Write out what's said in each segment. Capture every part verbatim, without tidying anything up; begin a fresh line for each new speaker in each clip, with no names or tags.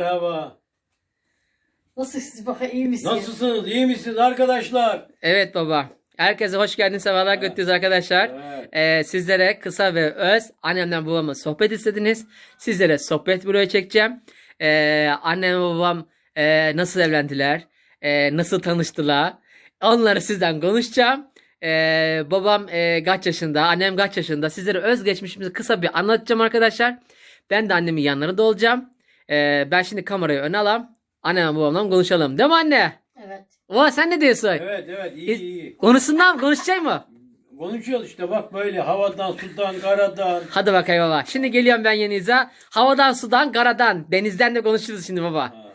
Merhaba.
Nasılsınız bakayım, iyi misiniz?
Nasılsınız? İyi misiniz arkadaşlar?
Evet baba. Herkese hoş geldiniz. Sefalar
Evet.
götürüyoruz arkadaşlar.
Evet.
Ee, sizlere kısa ve öz annemden babamla sohbet istediniz. Sizlere sohbet buraya çekeceğim. Ee, annem ve babam e, nasıl evlendiler? E, nasıl tanıştılar? Onları sizden konuşacağım. Ee, babam e, kaç yaşında? Annem kaç yaşında? Sizlere özgeçmişimizi kısa bir anlatacağım arkadaşlar. Ben de annemin yanlarında olacağım. Ee, ben şimdi kamerayı öne alayım. Annem ve babamla konuşalım. Değil mi anne?
Evet.
Oha sen ne diyorsun?
Evet evet iyi
Biz-
iyi.
Konuşsunlar mı? Konuşacak mı?
Konuşuyoruz işte bak böyle havadan, sudan, karadan.
Hadi bakayım baba. Şimdi geliyorum ben Yenize. Havadan, sudan, karadan, denizden de konuşuruz şimdi baba.
Ha.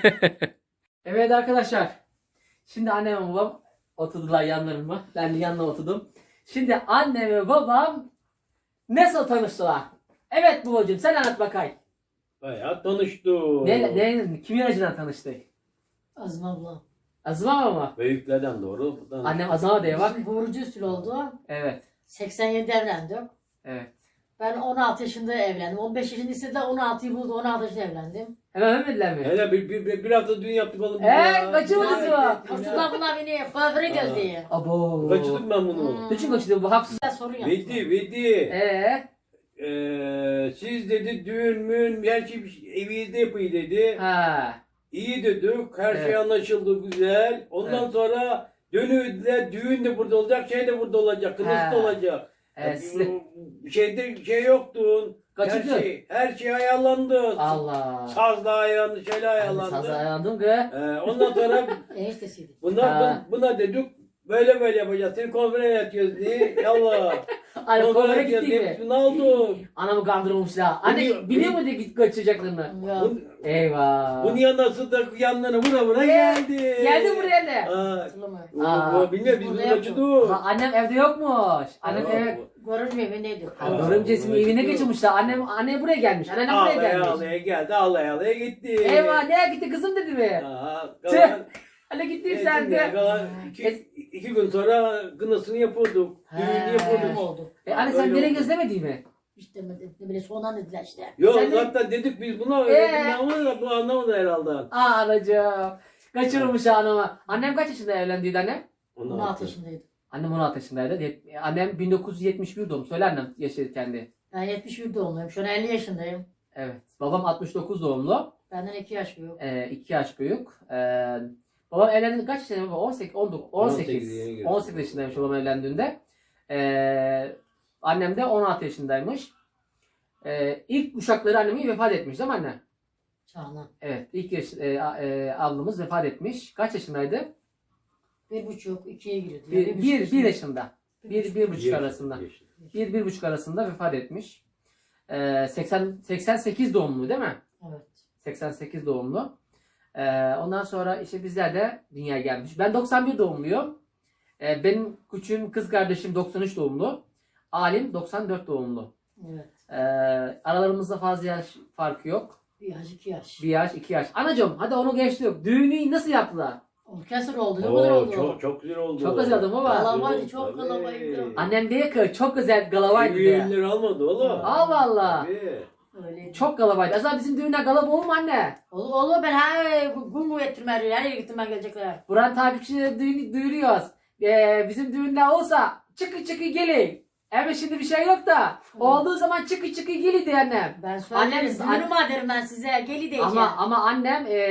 Evet arkadaşlar. Şimdi annem ve babam oturdular yanlarıma. Ben de yanına oturdum. Şimdi annem ve babam nasıl tanıştılar? Evet babacığım sen anlat bakayım.
Bayağı tanıştık.
Ne, ne, kimin acından tanıştık?
Azim abla.
Azma mı?
Büyüklerden doğru. Buradan.
Annem Azma diye bak.
Bizim Burcu usul oldu.
Evet.
seksen yedide evlendim.
Evet.
Ben on altı yaşında evlendim. on beş yaşında istediler, on altıyı buldu. on altı yaşında evlendim.
Hemen ölmediler mi?
Hele bir, bir, bir, bir hafta düğün yaptık oğlum.
Ee, kaçırmadınız mı?
Çocuklar bunlar beni kuaföre göz diye.
Abo.
Kaçırdık ben bunu.
Niçin kaçırdı bu haksız?
Güzel sorun yaptım.
Vedi, Vedi.
Eee?
Ee, siz dedi düğün mün, her şey evinizde yapıyı dedi.
Ha.
İyi dedik, her şey
Evet.
anlaşıldı güzel. Ondan
Evet.
sonra dönüldüler, düğün de burada olacak, şey de burada olacak, kınası
Ha.
da olacak.
Evet, size-
Şeyde şey yoktu. Her
Kaçırdı.
şey, her şey ayarlandı.
Allah.
Saz da ayarlandı, şeyle ayarlandı.
Sazı ayarlandım ki.
Ee, ondan sonra
Eniştesiydi.
buna,
Ha.
buna, buna dedik böyle böyle yapacağız. Seni konfere yatıyoruz diye. Yallah.
Ay kovara
Konfere
gitti
yatıyoruz.
mi?
Ne oldu?
Anamı kandırmışlar. Anne
Biliyor-
biliyor mu diye git kaçacaklarını?
Ya.
Bu,
Eyvah.
bunun yanına da yanlarına vura vura
Ee,
geldi.
Geldi buraya ne?
Aa,
Hatırlamıyorum.
Aa.
bu, bu, bilmiyorum biz
Burada
bunu
yaptım.
kaçırdık.
Ha, annem evde yokmuş. Annem
Aa,
eve...
Görünce evindeydi.
Ha,
Aa,
Görümcesinin
buraya
evine
gidiyor.
geçirmişler. Annem anne buraya gelmiş. Anneannem buraya
Ağlaya
gelmiş.
ağlaya geldi, ağlaya ağlaya gitti.
Eyvah nereye gitti kızım dedi mi?
Aa,
Tüh.
kalan,
Hadi gittin
evet,
sen de.
kalan iki, iki gün sonra kınasını yapıyorduk. Düğünü
He.
Kim
yapıyorduk.
oldu?
E anne sen
Öyle
nereye
oldu.
gözlemedi mi?
Hiç demedi. Ne bile sonradan dediler işte.
Yok
Sen de-
zaten dedik biz buna
Ee?
öyle ama da bu anlamadı herhalde.
Aa anacığım. Kaçırmış anamı. Annem kaç yaşında evlendiydi anne?
on altı yaşındaydı.
Annem on altı yaşındaydı. Yet- Annem bin dokuz yüz yetmiş bir doğum. Söyle annem yaşı kendi.
Ben yetmiş bir doğumluyum. Şu an elli yaşındayım.
Evet. Babam altmış dokuz doğumlu.
Benden iki yaş büyük.
Ee, iki yaş büyük. Ee, babam evlendi kaç yaşında baba? on sekiz, on dokuz, on
on sekiz yeni
sekiz.
girdi.
on sekiz yaşındaymış babam evlendiğinde. Ee, annem de on altı yaşındaymış. Ee, ilk uşakları annemin vefat etmiş değil mi anne?
Çağla.
Evet. İlk yaş, e, a- e, ablamız vefat etmiş. Kaç yaşındaydı?
Bir buçuk, ikiye giriyordu.
Bir,
buçuk
bir, bir
yaşında.
yaşında. Bir, bir buçuk arasında. Bir, bir buçuk arasında vefat etmiş. Ee, seksen, seksen sekiz doğumlu değil mi?
Evet.
seksen sekiz doğumlu. Ee, ondan sonra işte bizler de dünyaya gelmiş. Ben doksan bir doğumluyum. Ee, benim küçüğüm kız kardeşim doksan üç doğumlu. Alim doksan dört doğumlu.
Evet.
Ee, aralarımızda fazla yaş farkı yok.
Bir yaş, iki yaş.
Bir yaş, iki yaş. Anacığım hadi onu geçtik. Düğünü nasıl yaptılar?
Orkestra oldu. Ne kadar
Oo,
oldu?
çok çok güzel oldu.
Çok güzel oldu baba.
Kalabaydı, çok kalabaydı.
Annem diye ki çok güzel galavaydı diye.
Düğünleri almadı oğlum.
Allah Allah.
Tabii.
Öyleydi.
Çok galavaydı. Azar bizim düğünler galaba olur mu anne?
Olur, olur, ben her gün bu ettirme her yere gittim, ben gelecekler.
Buran takipçileri düğünü duyuruyoruz. Ee, bizim düğünler olsa çıkı çıkı gelin. Evet şimdi bir şey yok da. Olduğu zaman çıkı çıkı gelin diye annem.
Ben söylerim,
Annemiz-
düğünüm var derim ben size, geli diyeceğim.
Ama ama annem e,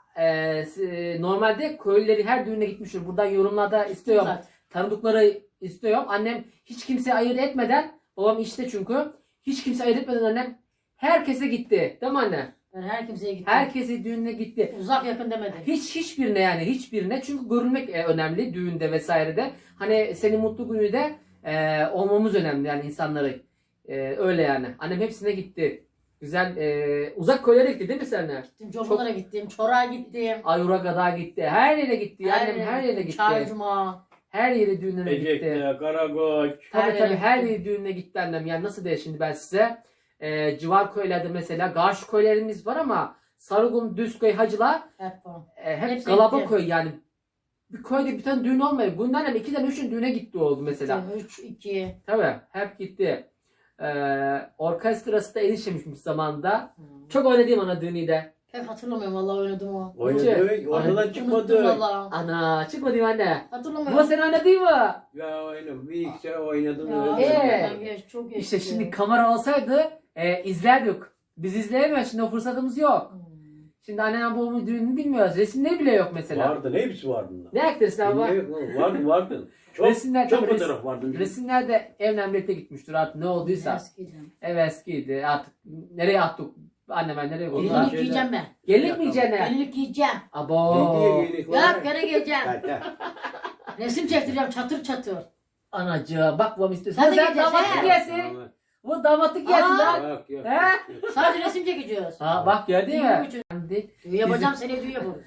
e, s- normalde köylüleri her düğüne gitmiştir. Buradan yorumlarda istiyorum.
Zaten.
Tanıdıkları istiyorum. Annem hiç kimse ayırt etmeden, babam işte çünkü, hiç kimse ayırt etmeden annem herkese gitti. Değil mi anne?
Ben her kimseye gittim.
Herkese düğününe gitti.
Uzak yakın demedi.
Hiç hiçbirine yani hiçbirine çünkü görülmek e, önemli düğünde vesairede. Hani senin mutlu günü de e, olmamız önemli yani insanları. E, öyle yani. Annem hepsine gitti. Güzel e, uzak köylere gitti değil mi senler?
Gittim, Comalara gittim, Çor'a gittim.
Ayura kadar gitti. Her yere gitti. Annem her yere gitti.
Çaycuma.
Her yere düğününe gitti.
Ecek'te, Karakoç.
Tabii
Her
tabii
yere
her
gitti.
yere düğününe gitti annem. Yani nasıl diye şimdi ben size. E, civar köylerde mesela karşı köylerimiz var ama Sarıgun, Düzköy, Hacılar
Hep var.
e, hep
Hepsi
galaba
gitti.
köy yani. Bir köyde bir tane düğün olmuyor. Bundan hem ikiden üçün düğüne gitti oldu mesela.
üç, iki.
Tabii hep gitti. Ee, orkestrası da enişemişmiş zamanında.
Hmm.
Çok oynadım ana düğünü de.
Pek hatırlamıyorum vallahi oynadım o.
Oynadı. Oradan
Unuttum
çıkmadı.
vallahi.
Ana çıkmadı mı anne?
Hatırlamıyorum.
Bu sen oynadın mı?
Ya oynadım. Bir iki sene oynadım.
Ya,
öyle.
Ee,
ben geç, çok geç.
İşte şimdi kamera olsaydı e, izlerdik. Biz izleyemiyoruz. Şimdi o fırsatımız yok.
Hmm.
Şimdi annenin babamın düğününü bilmiyoruz. Resimleri bile yok mesela.
Vardı. Ne hepsi vardı bunlar.
Ne aktrisi abi?
Ne yok lan, Vardı vardı. Çok,
Resimler-
çok
tabii res-
fotoğraf vardı.
Resimlerde evlen birlikte gitmiştir artık ne olduysa.
Eskiden.
Ev eskiydi artık nereye attık? Anne ben nereye koydum?
Onlar
Gelinlik
şeyler-
giyeceğim ben.
Gelinlik mi yiyeceksin?
Gelinlik giyeceğim.
Abo.
Ne diye gelik var?
Yok gene giyeceğim.
Gel, gel.
Resim çektireceğim çatır çatır.
Anacığım bak babam istiyorsun.
Sen de
Sen
giyeceksin,
damatlık
he?
giyesin. Bu damatlık giyesin
Aa.
lan.
Yok yok.
He?
yok.
Sadece resim çekeceğiz.
Ha bak gördün
Düğün
mü?
için.
Şimdi-
Düğün yapacağım seni düğün yaparız.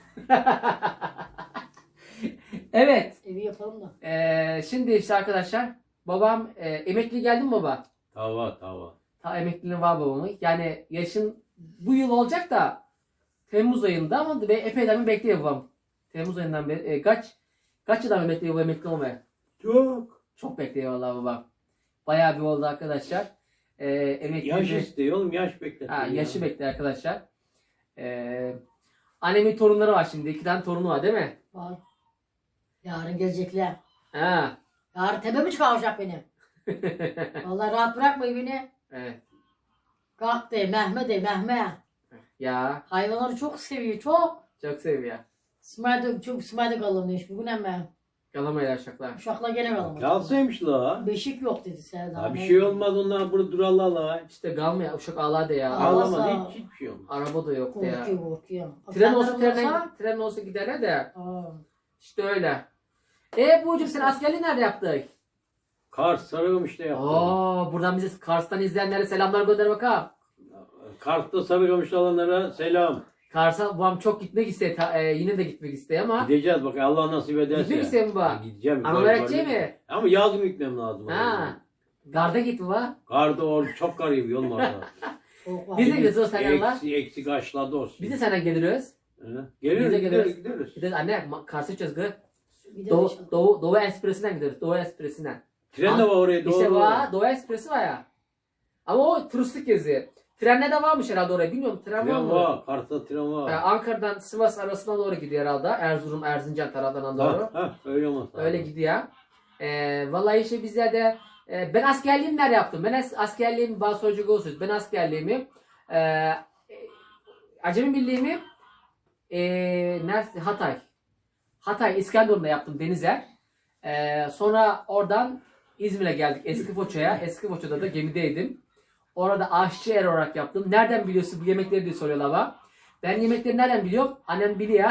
Evet.
Evi yapalım da.
Ee, şimdi işte arkadaşlar babam e, emekli geldi mi baba?
Tava tava.
Ta emekliliği var babamın. Yani yaşın bu yıl olacak da Temmuz ayında ama be- epeyden bir bekliyor babam. Temmuz ayından beri e, kaç kaç yıldan beri bekliyor bu emekli olmaya?
Çok.
Çok bekliyor vallahi babam. Bayağı bir oldu arkadaşlar. Ee, emekli
Yaş
bir-
istiyor oğlum yaş bekle.
ha, yaşı bekliyor arkadaşlar. Ee, annemin torunları var şimdi. İki tane torunu var değil mi?
Var. Yarın gelecekler.
Ha.
Yarın tepemi çıkaracak benim. Vallahi rahat bırakmayın beni.
Evet.
Kalk de Mehmet de Mehmet.
Ya
Hayvanları çok seviyor çok.
çok seviyor.
Smayda çok smayda kalın demiş. Bugün hemen.
Kalamayla uşaklar.
Uşakla gene kalamadı.
Kalsaymış la.
Beşik yok dedi Serdar.
Ha, bir şey olmaz onlar burada durarlar la.
İşte kalmıyor. Uşak ağlar da ya.
Ağlar.
Ağlamadı
Ağlasa-
hiç hiçbir şey olmaz.
Araba da yok da ya.
Korkuyor korkuyor.
Tren olsa
Akşamları
trene,
olsa-
tren olsa giderler de.
Aa.
İşte öyle. E Buğucum sen askerliği nerede yaptık?
Kars Sarıkamış'ta yaptı.
Oo, buradan bize Kars'tan izleyenlere selamlar gönder bakalım.
Kars'ta Sarıkamış'ta olanlara selam.
Kars'a babam çok gitmek istiyor. Ta- e, yine de gitmek istiyor ama.
Gideceğiz bak Allah nasip ederse.
Gitmek istiyor mu bu?
Ha, Gideceğim.
Ama
Böyle-
öğreteceği
böyle-
mi?
Ama yazın gitmem lazım.
Ha. Garda git baba.
Karda or çok kar yağıyor oğlum orada.
Soğuk var.
Biz de gideriz o selamlar.
Eksi, eksi kaçladı olsun.
Biz de senden geliriz.
Hı?
Biz de
Geliriz,
geliriz.
gideriz, gideriz.
Gideriz anne Ma- Kars'a gideceğiz gı.
Gideriz
Doğu,
inşallah.
Doğu, Doğu Ekspresi'nden gideriz. Doğu Ekspresi'nden.
Tren de var oraya doğru.
İşte var. Doğu Ekspresi var ya. Ama o turistik gezi. Trenle de varmış herhalde oraya. Bilmiyorum tren, var
Tren
mı?
var. Kars'ta tren var.
Ee, Ankara'dan Sivas arasına doğru gidiyor herhalde. Erzurum, Erzincan tarafından doğru.
Ha, ha, öyle olmaz.
Öyle gidiyor. Ee, vallahi işte bizler de e, ben askerliğimi nerede yaptım? Ben as- askerliğimi bazı soracak olursunuz. Ben askerliğimi e, e, Acemi Birliği'mi e, nerede? Hatay. Hatay İskenderun'da yaptım Denizer. E, sonra oradan İzmir'e geldik Eski Foça'ya. Eski Foça'da da gemideydim. Orada aşçı er olarak yaptım. Nereden biliyorsun bu yemekleri diye soruyorlar bana. Ben yemekleri nereden biliyorum? Annem biliyor.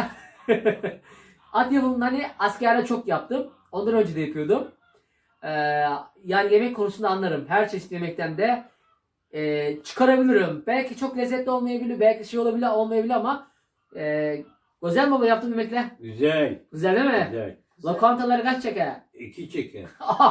At yapımını hani askerde çok yaptım. Ondan önce de yapıyordum. Ee, yani yemek konusunda anlarım. Her çeşit yemekten de e, çıkarabilirim. Belki çok lezzetli olmayabilir, belki şey olabilir, olmayabilir ama e, Özel baba yaptığım yemekler.
Güzel.
Güzel değil mi?
Güzel.
Lokantaları kaç çeker?
İki çeker.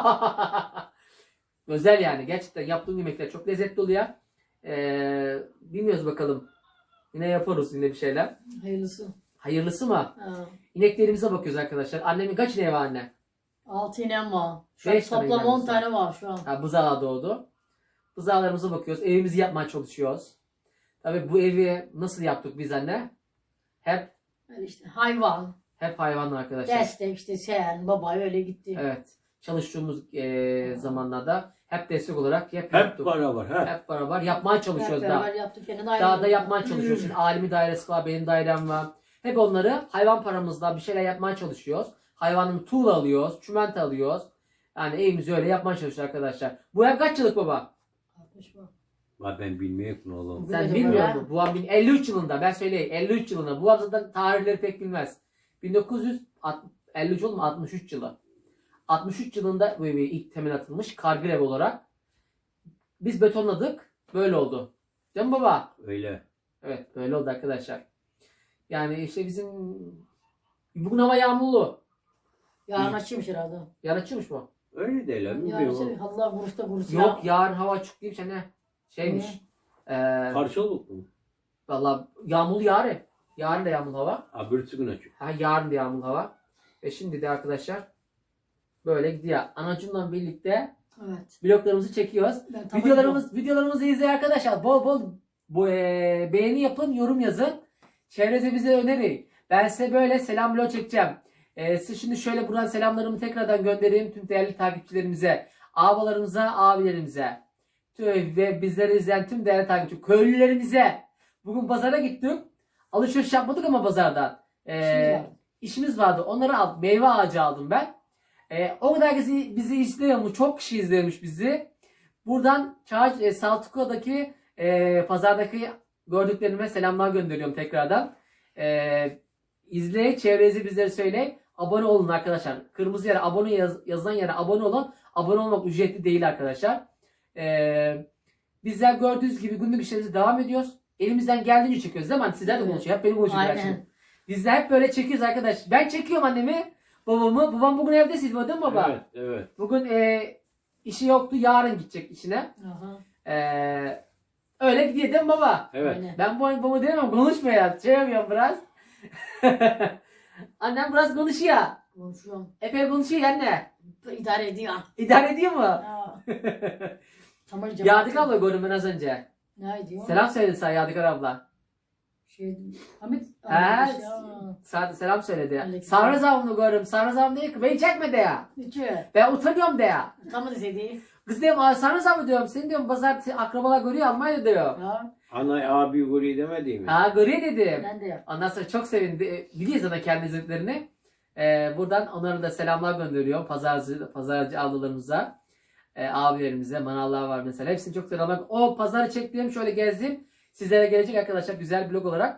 Özel yani. Gerçekten yaptığım yemekler çok lezzetli oluyor. Ee, bilmiyoruz bakalım. Yine yaparız yine bir şeyler.
Hayırlısı.
Hayırlısı mı?
Ha.
İneklerimize bakıyoruz arkadaşlar. Annemin kaç ineği var anne?
Altı inem var. Şu an
Beş tane
toplam
ineğimiz
on
var.
tane var şu an.
Ha, buzağı doğdu. Buzağlarımıza bakıyoruz. Evimizi yapmaya çalışıyoruz. Tabii bu evi nasıl yaptık biz anne? Hep
Yani işte hayvan,
hep hayvanla arkadaşlar.
destek işte sen, baba öyle gitti.
Evet. Çalıştığımız e, zamanlarda hep destek olarak hep,
Hep
yaptık.
beraber. Hep.
Hep beraber yapmaya
Hep
çalışıyoruz da.
beraber yaptık. Yine de
Daha da yapmaya çalışıyoruz. Şimdi alimi dairesi var, benim dairem var. Hep onları hayvan paramızla bir şeyler yapmaya çalışıyoruz. Hayvanın tuğla alıyoruz, çimento alıyoruz. Yani evimizi öyle yapmaya çalışıyoruz arkadaşlar. Bu ev kaç yıllık baba?
altmış var.
Bak ben bilmiyorum oğlum.
Sen
Bilmiyorum
bilmiyor
ya.
musun? Bu an bin- elli üç yılında ben söyleyeyim elli üç yılında. Bu zaten tarihleri pek bilmez. bin dokuz yüz elli üç oğlum altmış üç yılı. altmış üç yılında bu evi ilk temel atılmış kargı ev olarak. Biz betonladık. Böyle oldu. Değil mi baba?
Öyle.
Evet böyle oldu arkadaşlar. Yani işte bizim bugün hava yağmurlu.
Yarın açıymış herhalde.
Yarın açılmış mı?
Öyle değil lan.
Yarın işte
Bilmiyorum.
Allah vurursa vurursa.
Yok yarın hava açık değilmiş ne? Şeymiş. Ee,
Karşılık mı?
Valla yağmurlu yarın. Yarın da yağmurlu hava.
Ha bir gün açık.
Ha, yarın da yağmurlu hava. Ve şimdi de arkadaşlar böyle gidiyor. Anacımla birlikte
Evet.
vloglarımızı çekiyoruz.
Ben tamam
Videolarımız videolarımızı izleyin arkadaşlar. Bol bol bu, e, beğeni yapın, yorum yazın. Çevrenize bize önerin. Ben size böyle selam vlog çekeceğim. Ee, size şimdi şöyle buradan selamlarımı tekrardan göndereyim tüm değerli takipçilerimize, abalarımıza, abilerimize tüm ve bizleri izleyen tüm değerli takipçi köylülerimize. Bugün pazara gittik. Alışveriş yapmadık ama pazardan. Ee,
İşimiz vardı.
işimiz vardı. Onları aldım. Meyve ağacı aldım ben. Ee, o kadar bizi, bizi izliyormuş. Çok kişi izliyormuş bizi. Buradan Çağ, e, Saltuklu'daki e, pazardaki gördüklerime selamlar gönderiyorum tekrardan. E, izleyin, çevrenizi bizlere söyleyin. Abone olun arkadaşlar. Kırmızı yere abone yaz, yazılan yere abone olun. Abone olmak ücretli değil arkadaşlar. E, bizler gördüğünüz gibi günlük işlerimize devam ediyoruz. Elimizden geldiğince çekiyoruz değil mi? Hani sizler de
Evet.
konuşuyor. Hep beni konuşuyorlar
Aynen.
şimdi. Bizler hep böyle çekiyoruz arkadaş. Ben çekiyorum annemi, babamı. Babam bugün evde, siz değil mi baba?
Evet, evet.
Bugün e, işi yoktu. Yarın gidecek işine.
Aha.
Ee, öyle gidiyor değil mi baba?
Evet.
Aynen.
Ben bu baba diyemem, konuşma ya. Şey yapıyorum biraz. Annem biraz konuşuyor.
Konuşuyorum.
Epey konuşuyor ya anne.
İdare ediyor.
İdare ediyor mu?
Ya. Tamam.
Yadık abla gördüm ben az önce.
Ne ediyor?
Selam söyledi sana Yadıkar abla.
Şey, Hamit.
He,
Hamit ya.
sana selam söyledi.
Aleyküm.
Sarız abını gördüm. Sarız abim diyor ki beni çekme de ya.
Niçin?
Ben utanıyorum de ya.
Tamam deseydi.
Kız diyorum Sarız abi diyorum. Seni diyorum pazar akrabalar görüyor Almanya'da diyor.
Ya.
Ana abi guri demedi mi?
Ha görüyor dedim.
Ben de yap.
Ondan sonra çok sevindi. Biliyor zaten kendi izlediklerini. Ee, buradan onlara da selamlar gönderiyorum. Pazarcı, pazarcı ablalarımıza, e, abilerimize, manavlar var mesela. Hepsini çok selamlar. O pazarı çektiğim şöyle gezdim. Sizlere gelecek arkadaşlar güzel blog olarak.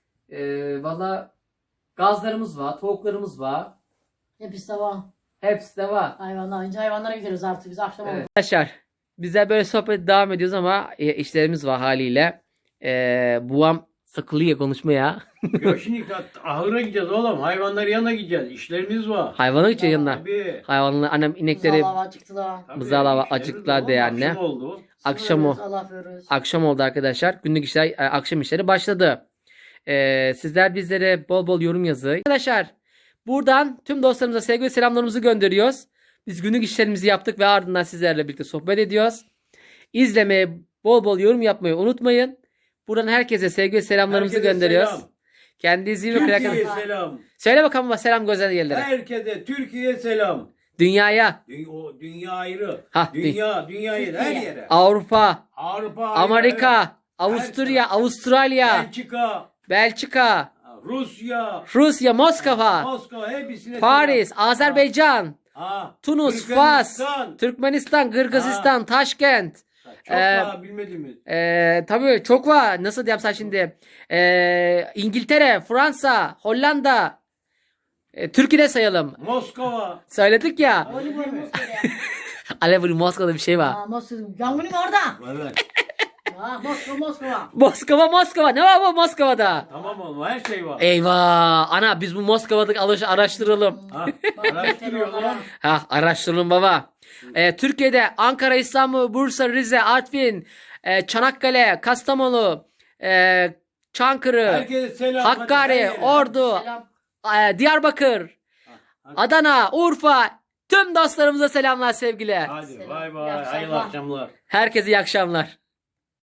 Ee, Valla gazlarımız var, tavuklarımız var.
Hepsi de var.
Hepsi de var.
Hayvanlar. Önce hayvanlara gidiyoruz artık. Biz akşam
Evet.
oldu.
Arkadaşlar bizler böyle sohbet devam ediyoruz ama e, işlerimiz var haliyle. E, buam sıkılıyor konuşmaya.
Ya şimdi ahıra gideceğiz oğlum. Hayvanların yanına gideceğiz. İşlerimiz var.
Hayvanı için yanına.
Tabii.
Hayvanlar, annem inekleri
Buzağlava çıktılar.
Tabii,
Mızralava
işlerimiz
acıktılar
var.
de anne.
Akşam oldu.
akşam o.
Allah veriyoruz.
Akşam oldu arkadaşlar. Günlük işler, e, akşam işleri başladı. E, sizler bizlere bol bol yorum yazın. Arkadaşlar buradan tüm dostlarımıza sevgi ve selamlarımızı gönderiyoruz. Biz günlük işlerimizi yaptık ve ardından sizlerle birlikte sohbet ediyoruz. İzlemeye, bol bol yorum yapmayı unutmayın. Buradan herkese sevgi ve selamlarımızı
Herkese
gönderiyoruz.
selam.
Kendinize iyi bakın
Türkiye'ye
arkadaşlar.
selam.
Söyle bakalım baba, selam güzel yerlere.
Herkese Türkiye'ye selam.
Dünyaya,
Dü- o dünya ayrı.
Ha, dü-
dünya, dünyayı her
Türkiye.
yere.
Avrupa,
Avrupa ayrı,
Amerika,
evet.
Avusturya,
Her-
Avustralya,
Belçika,
Belçika,
Rusya,
Rusya, Moskova,
Moskova hepsine
Paris,
selam.
Azerbaycan,
Ha,
Tunus, Fas,
Türkmenistan.
Türkmenistan, Kırgızistan, Taşkent.
Çok
Ee,
daha bilmediğimiz.
Ee, tabii çok var. Nasıl diyeyim sana şimdi? Ee, İngiltere, Fransa, Hollanda. Ee, Türkiye'de sayalım.
Moskova.
Söyledik ya.
Oli boy Moskova.
Alev Moskova'da bir şey var.
Aa, Moskova. Yangınım orada.
Vallahi.
Aa, Moskova Moskova.
Moskova, Moskova. Ne var bu Moskova'da?
Tamam oğlum her şey var.
Eyvah. Ana biz bu Moskova'daki alış araştıralım.
Ha,
Bak,
araştırıyorlar.
onlara.
Ha araştıralım baba. Ee, Türkiye'de Ankara, İstanbul, Bursa, Rize, Artvin, e, Çanakkale, Kastamonu, e, Çankırı,
Herkese selam.
Hakkari,
hadi her yere.
Ordu,
Selam.
e, Diyarbakır,
Hadi.
Adana, Urfa, tüm dostlarımıza selamlar sevgiler.
Hadi
Selam.
bay
İyi
bay.
akşamlar.
Hayırlı akşamlar.
Herkese iyi akşamlar.